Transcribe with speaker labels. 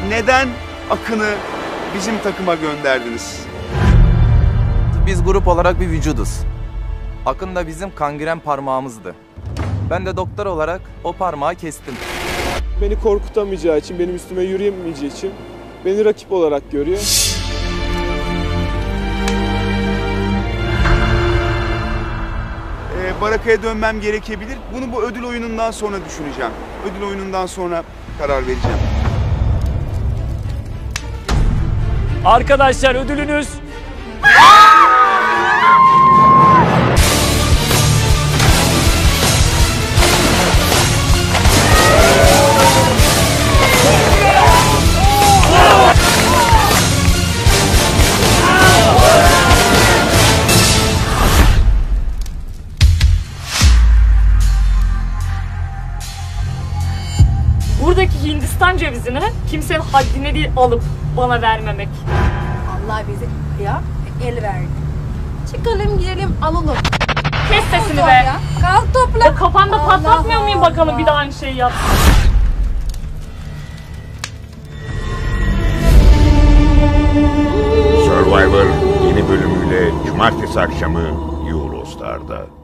Speaker 1: neden Akın'ı bizim takıma gönderdiniz?
Speaker 2: Biz grup olarak bir vücuduz. Akın da bizim kangren parmağımızdı. Ben de doktor olarak o parmağı kestim.
Speaker 3: Beni korkutamayacağı için, benim üstüme yürüyemeyeceği için beni rakip olarak görüyor.
Speaker 1: Baraka'ya dönmem gerekebilir. Bunu bu ödül oyunundan sonra düşüneceğim. Ödül oyunundan sonra karar vereceğim.
Speaker 4: Arkadaşlar ödülünüz...
Speaker 5: Buradaki Hindistan cevizini kimsenin haddine değil alıp bana vermemek.
Speaker 6: Allah bize ya el verdi. Çıkalım gidelim alalım.
Speaker 5: Kes sesini
Speaker 6: Kalk
Speaker 5: be.
Speaker 6: ya. Kalk topla.
Speaker 5: O kafanda
Speaker 6: Allah
Speaker 5: patlatmıyor muyum bakalım
Speaker 6: Allah.
Speaker 5: bir daha aynı şeyi yap.
Speaker 7: Survivor yeni bölümüyle cumartesi akşamı Eurostar'da.